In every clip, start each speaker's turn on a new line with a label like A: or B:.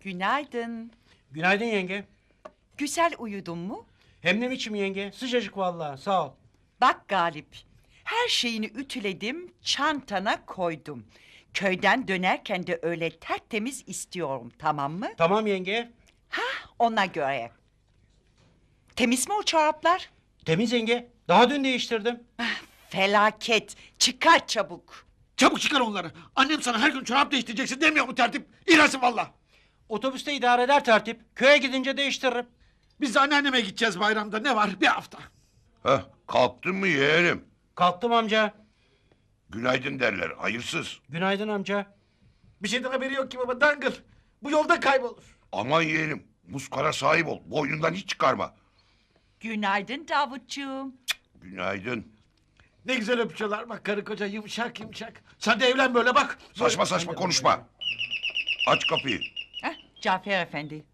A: Günaydın.
B: Günaydın yenge.
A: Güzel uyudun mu?
B: Hem ne biçim yenge? Sıcacık vallahi. Sağ ol.
A: Bak Galip, her şeyini ütüledim, çantana koydum. Köyden dönerken de öyle tertemiz istiyorum, tamam mı?
B: Tamam yenge.
A: Ona göre. Temiz mi o çoraplar?
B: Temiz yenge. Daha dün değiştirdim.
A: Felaket, çıkar çabuk.
C: Çabuk çıkar onları. Annem sana her gün çorap değiştireceksin demiyor mu tertip? İğrensin valla.
B: Otobüste idare eder tertip. Köye gidince değiştiririm.
C: Biz de anneanneme gideceğiz bayramda. Ne var? Bir hafta.
D: Heh, kalktın mı yeğenim?
B: Kalktım amca.
D: Günaydın derler, hayırsız.
B: Günaydın amca.
C: Bir şeyden haberi yok ki baba. Dangır. Bu yolda kaybolur.
D: Aman yeğenim, muskara sahip ol, boynundan hiç çıkarma.
A: Günaydın Davutcuğum.
D: Günaydın.
C: Ne güzel öpüşüyorlar. Bak karı koca yumuşak yumuşak. Sen de evlen böyle bak.
D: Saçma saçma konuşma. Aç kapıyı.
A: Cafer Efendi.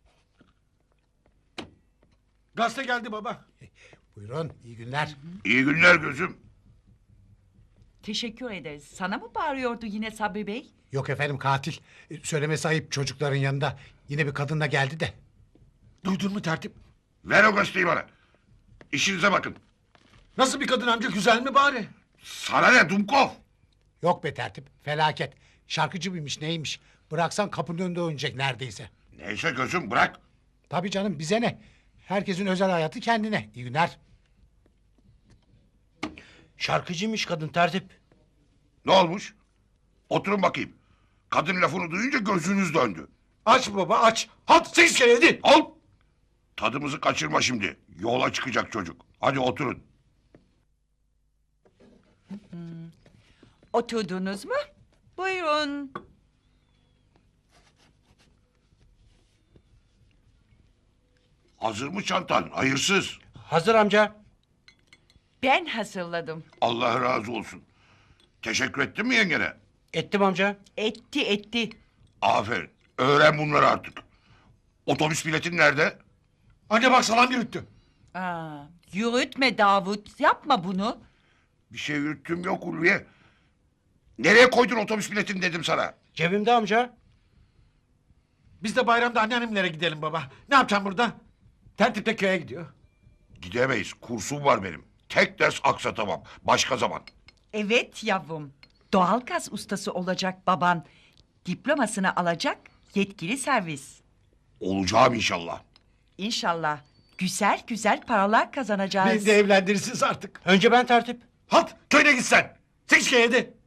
C: Gazete geldi baba.
E: Buyurun, iyi günler.
D: İyi günler gözüm.
A: Teşekkür ederiz. Sana mı bağırıyordu yine Sabri Bey?
E: Yok efendim katil. Söylemesi ayıp çocukların yanında. Yine bir kadınla geldi de.
C: Duydun mu tertip?
D: Ver o gazeteyi bana. İşinize bakın.
C: Nasıl bir kadın amca, güzel mi bari?
D: Sana ne Dumkov?
E: Yok be tertip, felaket. Şarkıcı mıymış neymiş? Bıraksan kapının önünde oynayacak neredeyse.
D: Neyse gözüm bırak.
E: Tabii canım bize ne? Herkesin özel hayatı kendine. İyi günler.
B: Şarkıcıymış kadın tertip.
D: Ne olmuş? Oturun bakayım. Kadın lafını duyunca gözünüz döndü.
C: Aç baba aç. Halt 8 kere yedi.
D: Al. Tadımızı kaçırma şimdi. Yola çıkacak çocuk. Hadi oturun.
A: Oturdunuz mu? Buyurun.
D: Hazır mı çantan? Hayırsız.
B: Hazır amca.
A: Ben hazırladım.
D: Allah razı olsun. Teşekkür ettin mi yengene?
B: Ettim amca.
A: Etti.
D: Aferin. Öğren bunları artık. Otobüs biletin nerede?
C: Anne bak salam yürüttü.
A: Yürütme Davut, yapma bunu.
D: Bir şey yürüttüm yok Ulviye. Nereye koydun otobüs biletini dedim sana.
B: Cebimde amca.
C: Biz de bayramda anneannemlere gidelim baba. Ne yapacağım burada? Tertip de köye gidiyor.
D: Gidemeyiz. Kursum var benim. Tek ders aksatamam. Başka zaman.
A: Evet yavrum. Doğalgaz ustası olacak baban. Diplomasını alacak yetkili servis.
D: Olacağım inşallah.
A: İnşallah güzel güzel paralar kazanacağız.
C: Beni de evlendirirsiniz artık.
B: Önce ben tertip.
C: Halt köyüne git sen. 8 kere yedi.